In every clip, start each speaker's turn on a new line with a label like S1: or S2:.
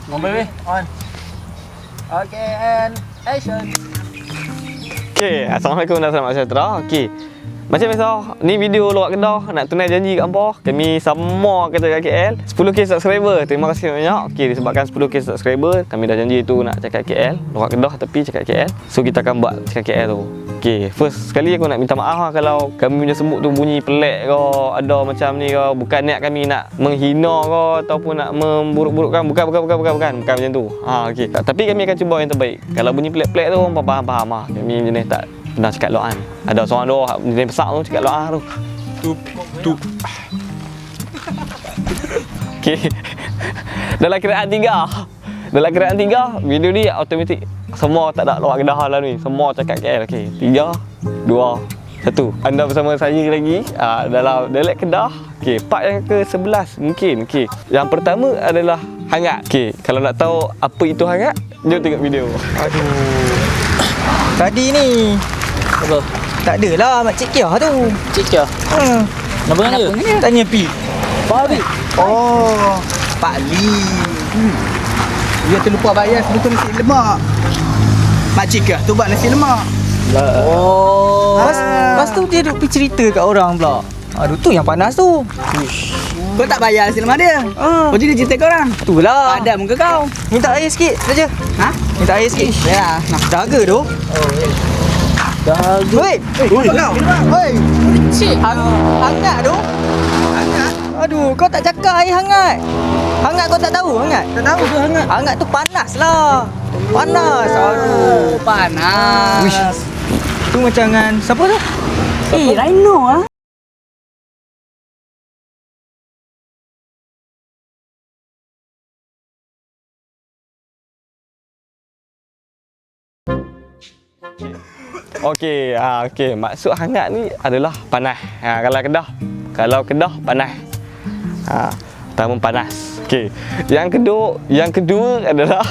S1: Ngomel weh. On. Okay, and action.
S2: Okay, Assalamualaikum dan selamat sejahtera. Okay, macam biasa, ni video luar Kedah. Nak tunai janji kat hampa, kami sama kata kat KL 10k subscriber. Terima kasih banyak. Okay, disebabkan 10k subscriber, kami dah janji tu nak cakap KL luar Kedah tapi cakap KL. So kita akan buat cakap KL tu. Okay, first sekali aku nak minta maaf lah kalau kami punya semut tu bunyi pelik ke, ada macam ni ke. Bukan niat kami nak menghina ke ataupun nak memburuk-burukkan. Bukan macam tu. Okay. Tapi kami akan cuba yang terbaik. Kalau bunyi pelik-pelik tu, faham lah. Kami jenis tak pernah cakap loan. Ada seorang doa jenis besar tu cakap loan tu. Tup. Okay. Dalam kiraan 3, video ni automatik semua tak ada luar Kedah lah ni. Semua cakap KL. Okey, 3, 2, 1. Anda bersama saya lagi dalam dialek Kedah. Okey, part yang ke-11 mungkin. Okey, yang pertama adalah hangat. Okey, kalau nak tahu apa itu hangat, jom tengok video.
S3: Aduh. Tadi ni
S1: Apa?
S3: tak adalah Makcik Kia tu.
S1: Cik Kia. Nama dia?
S3: Tanya Pi.
S1: Babi.
S3: Oh, Pak Li. Dia terlupa bayar sebetulnya nasi lemak. Makcik Kia tu buat nasi lemak.
S1: Oh.
S3: Lepas tu dia duk pergi cerita kat orang pula. Aduh, tu yang panas tu.
S4: Kau tak bayar nasi lemak dia?
S3: Ah.
S4: Kau jadi cerita kau orang?
S3: Itulah.
S4: Padat muka kau.
S3: Minta air sikit saja.
S4: Ha?
S3: Minta air sikit.
S4: Ya.
S3: Nak daga tu.
S1: Dagu.
S3: Hei.
S4: Apa kau?
S3: Hei.
S1: Cik.
S3: Hangat tu.
S4: Hangat.
S3: Aduh, kau tak cakap air hangat. Hangat kau tak tahu hangat?
S4: Tak tahu tu hangat.
S3: Hangat tu panas lah. Panas. Aduh.
S4: Panas.
S3: Wish. Tu macam dengan siapa tu?
S4: Rhino ah.
S2: Okey, okey. Maksud hangat ni adalah panas. Kalau Kedah panas. Pertama panas. Okey. Yang kedua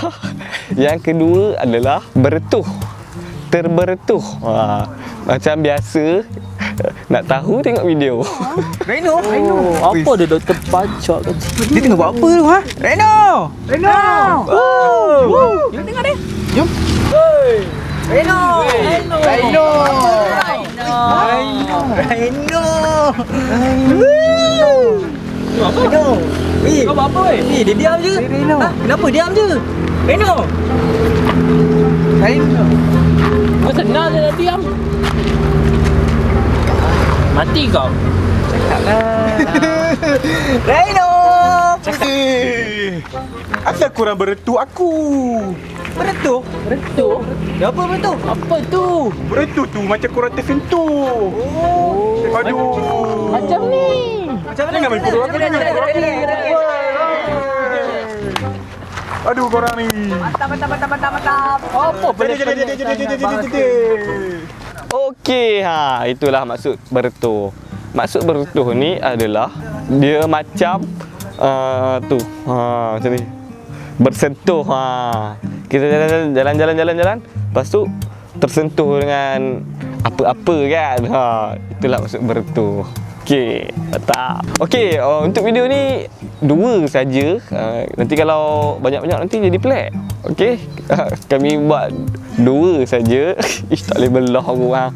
S2: adalah bertuh. Terbertuh. Macam biasa. Nak tahu tengok video.
S3: Reno.
S1: Apa dia doktor pacak kan?
S3: Dia tengah buat apa tu ha? Reno.
S4: Jom tengok dia.
S3: Jom. Reno.
S1: Apa? Kau buat apa weh?
S3: Dia diam je.
S4: Reno.
S3: Kenapa diam je? Reno.
S1: Kau senang je dah diam. Mati kau.
S3: Reno.
S5: Asal korang beretu aku?
S3: Beretuh.
S1: Betul.
S3: Apa beretuh?
S1: Apa tu?
S5: Beretu tu macam korang tersentuh. Aduh.
S1: Macam ni.
S3: Macam mana?
S5: Jangan main bodoh aku ni. Aduh korang ni.
S4: Mantap.
S1: Apa
S2: Okey, itulah maksud bertuh. Maksud bertuh ni adalah dia macam macam ni. Bersentuh. Kita jalan. Lepas tu tersentuh dengan apa-apa kan. Itulah maksud bertuh. Okey, tak. Okey, untuk video ni 2 saja. Nanti kalau banyak-banyak nanti jadi pelik. Okey. Kami buat 2 saja. Tak boleh belah orang.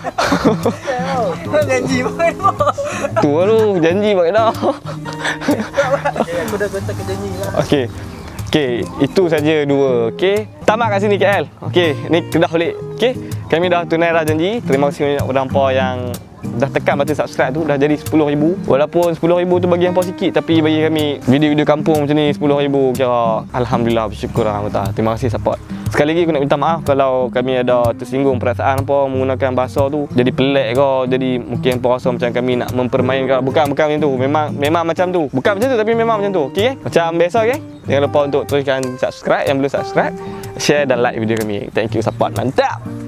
S3: Janji makan apa?
S2: Tu janji buat dah.
S3: Aku dah kontak janji lah.
S2: Okey, itu saja 2. Okey. Tamat kat sini KL. Okey, ni Kedah balik. Okey. Kami dah tunai dah janji. Terima kasih banyak kepada hangpa yang dah tekan button subscribe tu, dah jadi 10,000. Walaupun 10,000 tu bagi hangpa sikit, tapi bagi kami video-video kampung macam ni 10,000 kira alhamdulillah, bersyukur alhamdulillah. Terima kasih support. Sekali lagi aku nak minta maaf kalau kami ada tersinggung perasaan apa menggunakan bahasa tu jadi pelik ke, jadi mungkin hangpa rasa macam kami nak mempermainkan. Bukan macam tu. Memang macam tu. Bukan macam tu tapi memang macam tu. Okey? Macam biasa, okey? Jangan lupa untuk teruskan subscribe yang belum subscribe, share dan like video kami. Thank you support. Mantap.